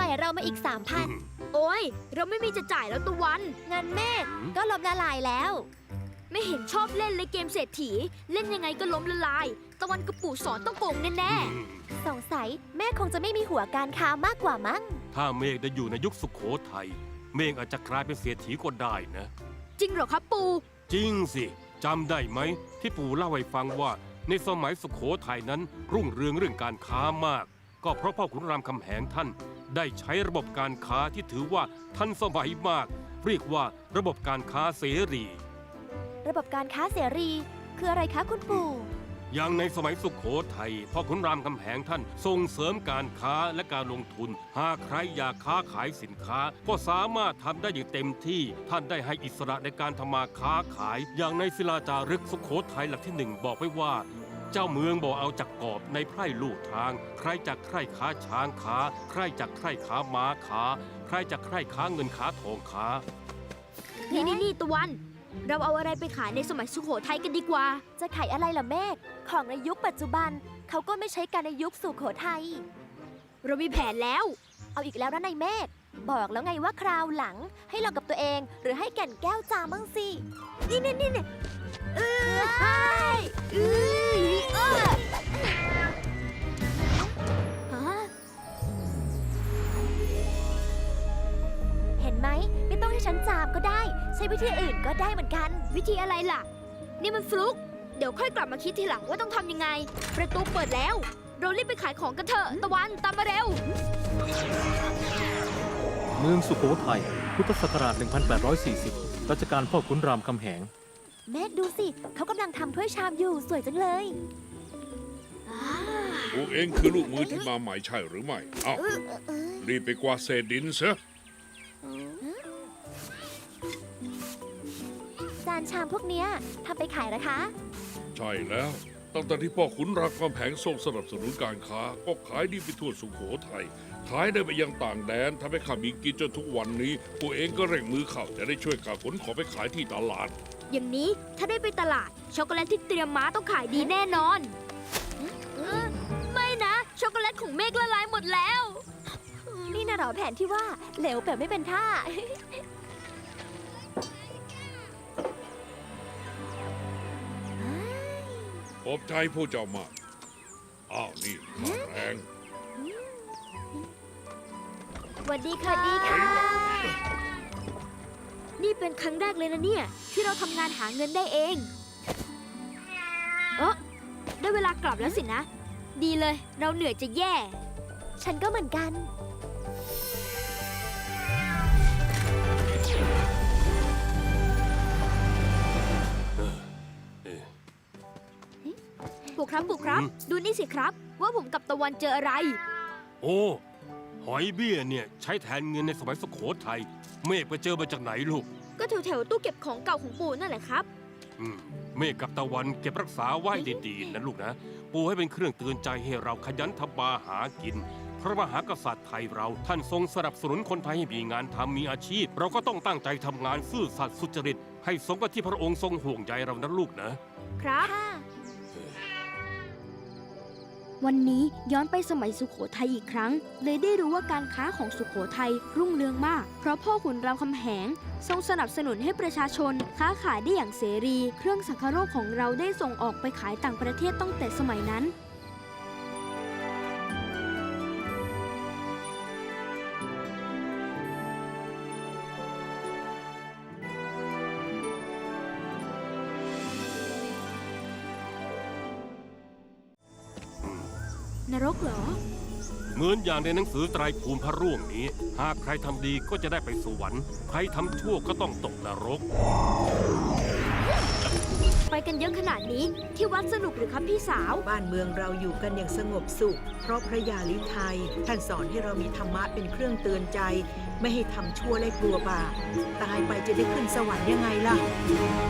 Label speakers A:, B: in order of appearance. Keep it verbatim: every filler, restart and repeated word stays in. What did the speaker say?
A: ายเรามาอีกสามพัน
B: โอ้ยเราไม่มีจะจ่ายแล้วตะวัน
A: เงินเมฆก็ล้มละลายแล้ว
B: ไม่เห็นชอบเล่นเลยเกมเศรษฐีเล่นยังไงก็ล้มละลาย ตะวันกับปู่สอนต้องโกงแน่
A: สงสัยแม่คงจะไม่มีหัวการค้ามากกว่ามั้ง
C: ถ้าเมฆได้อยู่ในยุคสุโขทัยเมฆอาจจะกลายเป็นเศรษฐีก็ได้นะ
B: ๆจริงเหรอครับปู่
C: จริงสิจำได้ไหมที่ปู่เล่าให้ฟังว่าในสมัยสุโขทัยนั้นรุ่งเรืองเรื่องการค้ามาก ก็เพราะพ่อขุนรามคำแหงท่านได้ใช้ระบบการค้าที่ถือว่าทันสมัยมาก เรียกว่าระบบการค้าเสรี
A: ระบบการค้าเสรีคืออะไรคะคุณปู่
C: อย่างในสมัยสุขโขทัยพ่อขุนรามคำแหงท่านส่งเสริมการค้าและการลงทุน หากใครอยากค้าขายสินค้า ก็สามารถทำได้อย่างเต็มที่ท่านได้ให้อิสระในการทำมาค้าขาย อย่างในศิลาจารึกสุขโขทัยหลักที่หนึ่งบอกไว้ว่า เจ้าเมืองบอกเอาจากกอบในไพร่ลู่ทาง ใครจากใครค้าช้างค้า ใครจากใครค้าม้าค้า ใครจากใครค้าเงินค้าทองค้า
B: นี่นี่นี่ตะวัน เราเอาอะไรไปขายในสมัยสุโขทัยกันดีกว่า
A: จะขายอะไรล่ะเมฆของในยุคปัจจุบันเขาก็ไม่ใช้กันในยุคสุโขทัย
B: เรามีแผนแล้ว
A: เอาอีกแล้วนะนายเมฆบอกแล้วไงว่าคราวหลังให้ลองกับตัวเอง หรือให้แก่นแก้วจามั่งสิ
B: นี่นี่นี่เออ
A: ใช่เออเออ
B: ฮะ
A: เห็นไหมไม่ต้องให้ฉันจามก็ได้ ใช้วิธีอื่นก็ได้เหมือนกัน
B: วิธีอะไรล่ะ นี่มันฟลุก เดี๋ยวค่อยกลับมาคิดทีหลังว่าต้องทำยังไง ประตูเปิดแล้ว เรารีบไปขายของกันเถอะตะวันตามมาเร็ว
D: เมืองสุโขทัย พุทธศักราช หนึ่งพันแปดร้อยสี่สิบ รัชกาลพ่อขุนรามคำแหง
A: เมฆดูสิเขากำลังทำถ้วยชามอยู่สวยจังเลย
E: พวกเองคือลูกมือที่มาใหม่ใช่หรือไม่ เอ้ารีบไปกวาดเศษดินซะ
A: จานชามพวกเนี้ยทำไปขายนะคะ
E: ใช่แล้ว ตั้งแต่ที่พ่อขุนรามคำแหงทรงสนับสนุนการค้า ก็ขายดีไปทั่วสุโขทัย ขายได้ไปยังต่างแดนทำให้ข้ามีกินจนทุกวันนี้ พวกเองก็เร่งมือเข้าจะได้ช่วยกาขนของไปขายที่ตลาด
B: อย่างนี้ถ้าได้ไปตลาด ช็อกโกแลตที่เตรียมมาต้องขายดีแน่นอนเออไม่นะ ช็อกโกแลตของเมฆละลายหมดแล้ว
A: นี่นะเหรอแผนที่ว่าเหลวแบบไม่เป็นท่า
E: ขอบใจผู้เจ้ามาก อ้าวนี่ข้าแรง
B: สวัสดีค่ะดีค่ะ นี่เป็นครั้งแรกเลยนะเนี่ย ที่เราทำงานหาเงินได้เอง เออได้เวลากลับแล้วสินะ ดีเลย เราเหนื่อยจะแย่
A: ฉันก็เหมือนกัน
B: ปู่ครับปู่ครับ
C: อืม
B: ดูนี่สิครับ ว่าผมกับตะวันเจออะไร
C: โอ้หอยเบี้ยเนี่ยใช้แทนเงินในสมัยสุโขทัยเมฆไปเจอมาจากไหนลูก
B: ก็แถวแถวๆตู้เก็บของเก่าของปู่นั่นแหละครับ
C: อืมเมฆกับตะวันเก็บรักษาไว้ดีๆนะลูกนะ ปูให้เป็นเครื่องเตือนใจให้เราขยันทำมาหากิน พระมหากษัตริย์ไทยเราท่านทรงสนับสนุนคนไทยให้มีงานทำมีอาชีพ เราก็ต้องตั้งใจทำงานซื่อสัตย์สุจริต ให้สมกับที่พระองค์ทรงห่วงใยเรานะลูกนะ
B: ครับ
A: ค่ะ
B: วันนี้ย้อนไปสมัยสุโขทัยอีกครั้ง เลยได้รู้ว่าการค้าของสุโขทัยรุ่งเรืองมาก เพราะพ่อขุนรามคำแหง ทรงสนับสนุนให้ประชาชน ค้าขายได้อย่างเสรี เครื่องสังคโรคของเราได้ส่งออกไปขายต่างประเทศตั้งแต่สมัยนั้น นรกเหรอ
C: เหมือนอย่างในหนังสือไตรภูมิพระร่วงนี้ หากใครทำดีก็จะได้ไปสวรรค์ ใครทำชั่วก็ต้องตกนรก
B: ไปกันเยอะขนาดนี้ที่วัดสนุกหรือครับพี่สาว
F: บ้านเมืองเราอยู่กันอย่างสงบสุข เพราะพระยาลิไทยท่านสอนให้เรามีธรรมะเป็นเครื่องเตือนใจ ไม่ให้ทำชั่วและกลัวบาปตายไปจะได้ขึ้นสวรรค์ยังไงล่ะ